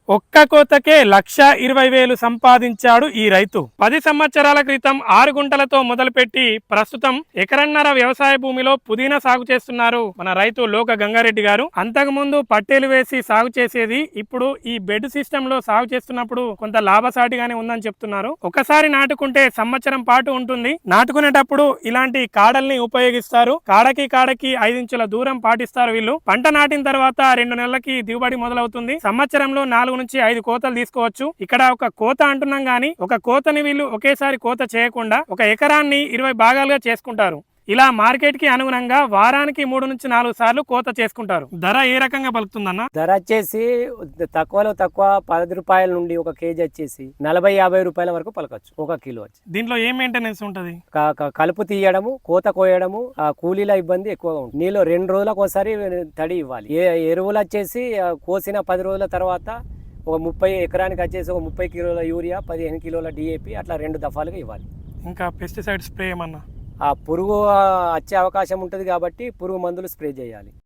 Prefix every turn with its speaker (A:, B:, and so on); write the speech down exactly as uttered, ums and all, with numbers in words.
A: ఒక్క కోతకే లక్ష ఇరవై వేలు సంపాదించాడు ఈ రైతు. పది సంవత్సరాల క్రితం ఆరు గుంటలతో మొదలుపెట్టి ప్రస్తుతం ఎకరన్నర వ్యవసాయ భూమిలో పుదీనా సాగు చేస్తున్నారు మన రైతు లోక గంగారెడ్డి గారు. అంతకు ముందు పట్టేలు వేసి సాగు చేసేది, ఇప్పుడు ఈ బెడ్ సిస్టమ్ లో సాగు చేస్తున్నప్పుడు కొంత లాభసాటిగానే ఉందని చెప్తున్నారు. ఒకసారి నాటుకుంటే సంవత్సరం పాటు ఉంటుంది. నాటుకునేటప్పుడు ఇలాంటి కాడల్ని ఉపయోగిస్తారు. కాడకి కాడకి ఐదించుల దూరం పాటిస్తారు వీళ్ళు. పంట నాటిన తర్వాత రెండు నెలలకి దిగుబడి మొదలవుతుంది. సంవత్సరంలో నాలుగు నుంచి ఐదు కోతలు తీసుకోవచ్చు. ఇక్కడ ఒక కోత అంటున్నాం గానీ ఒక కోతని వీళ్ళు ఒకేసారి కోత చేయకుండా ఒక ఎకరాన్ని ఇరవై భాగాలుగా చేసుకుంటారు. ఇలా మార్కెట్ కి అనుగుణంగా వారానికి మూడు నుంచి నాలుగు సార్లు కోత చేసుకుంటారు. ధర ఏ రకంగా పలుకుతుందన్న?
B: ధర వచ్చేసి తక్కువలో తక్కువ పది రూపాయల నుండి ఒక కేజీ వచ్చేసి నలభై యాభై రూపాయల వరకు పలకచ్చు ఒక కిలో వచ్చి.
A: దీంట్లో ఏం మెయింటెనెన్స్ ఉంటది?
B: కలుపు తీయడము, కోత కోయడము, కూలీల ఇబ్బంది ఎక్కువగా ఉంటుంది. నీళ్ళు రెండు రోజులకు ఒకసారి తడి ఇవ్వాలి. ఎరువులు వచ్చేసి కోసిన పది రోజుల తర్వాత ఒక ముప్పై ఎకరానికి వచ్చేసి ఒక ముప్పై కిలోల యూరియా, పదిహేను కిలోల డిఏపి అట్లా రెండు దఫాలుగా ఇవ్వాలి.
A: ఇంకా పెస్టిసైడ్ స్ప్రే ఏమన్నా?
B: ఆ పురుగు వచ్చే అవకాశం ఉంటుంది కాబట్టి పురుగు మందులు స్ప్రే చేయాలి.